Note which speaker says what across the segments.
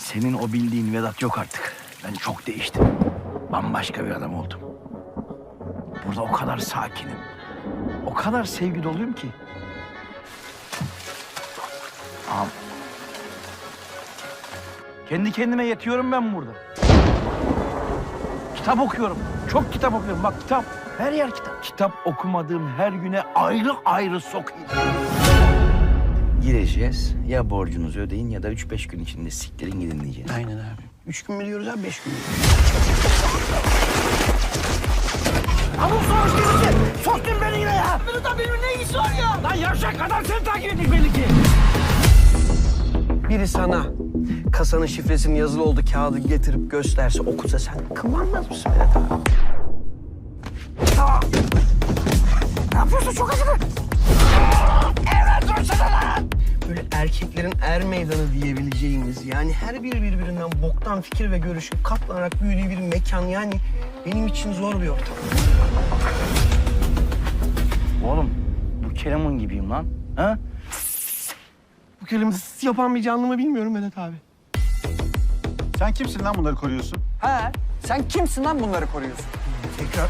Speaker 1: Senin o bildiğin Vedat yok artık. Ben çok değiştim. Bambaşka bir adam oldum. Burada o kadar sakinim. O kadar sevgi doluyum ki. Ağam. Kendi kendime yetiyorum ben burada. Kitap okuyorum. Çok kitap okuyorum. Bak kitap. Her yer kitap. Kitap okumadığım her güne ayrı ayrı sokayım. Gireceğiz. Ya borcunuzu ödeyin ya da 3-5 gün içinde siktirin gidin diyeceğiz.
Speaker 2: Aynen abi. 3 gün mü diyoruz abi, 5 gün mü?
Speaker 1: Ama sonuç girişi. Soktun beni yine ya. Benim de benim ne ilgisi var ya? Lan yavşak kadar seni takip ettik belli ki.
Speaker 2: Biri sana kasanın şifresinin yazılı olduğu kağıdı getirip gösterse, okusa sen kıvranmaz mısın Vedat abi?
Speaker 1: Ne yapıyorsun? Çok acıdı. Evet dursana lan.
Speaker 2: Böyle erkeklerin er meydanı diyebileceğimiz, yani her biri birbirinden boktan fikir ve görüşün katlanarak büyüdüğü bir mekan, yani benim için zor bir ortam.
Speaker 1: Oğlum bu Kerem'in gibiyim lan. Ha?
Speaker 2: Bu kelime yapan bir canlı mı bilmiyorum Vedat abi.
Speaker 3: Sen kimsin lan bunları koruyorsun?
Speaker 4: He, sen kimsin lan bunları koruyorsun?
Speaker 2: Tekrar.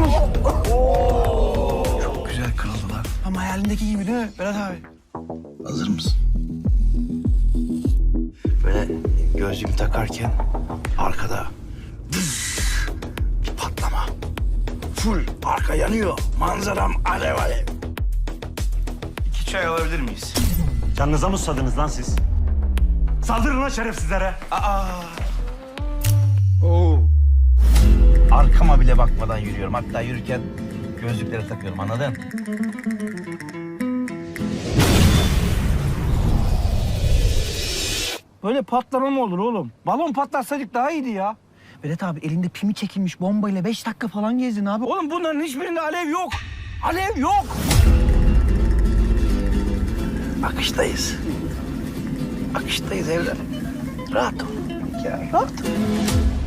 Speaker 1: Çok güzel kırıldılar.
Speaker 2: Ama hayalindeki gibi değil mi Vedat abi?
Speaker 1: Hazır mısın? Böyle gözlüğümü takarken arkada bir patlama. Full arka yanıyor. Manzaram alev alev. 2 çay alabilir miyiz?
Speaker 3: Canınıza mı susadınız lan siz? Saldırın lan şerefsizlere.
Speaker 2: Oo.
Speaker 1: Arkama bile bakmadan yürüyorum. Hatta yürürken gözlükleri takıyorum, anladın? Böyle patlama mı olur oğlum? Balon patlatsaydık daha iyiydi ya.
Speaker 2: Vedat abi elinde pimi çekilmiş bombayla 5 dakika falan gezdin abi.
Speaker 1: Oğlum bunların hiçbirinde alev yok. Alev yok. Akıştayız. Akıştayız evladım. Rahat ol. Ya rahat ol.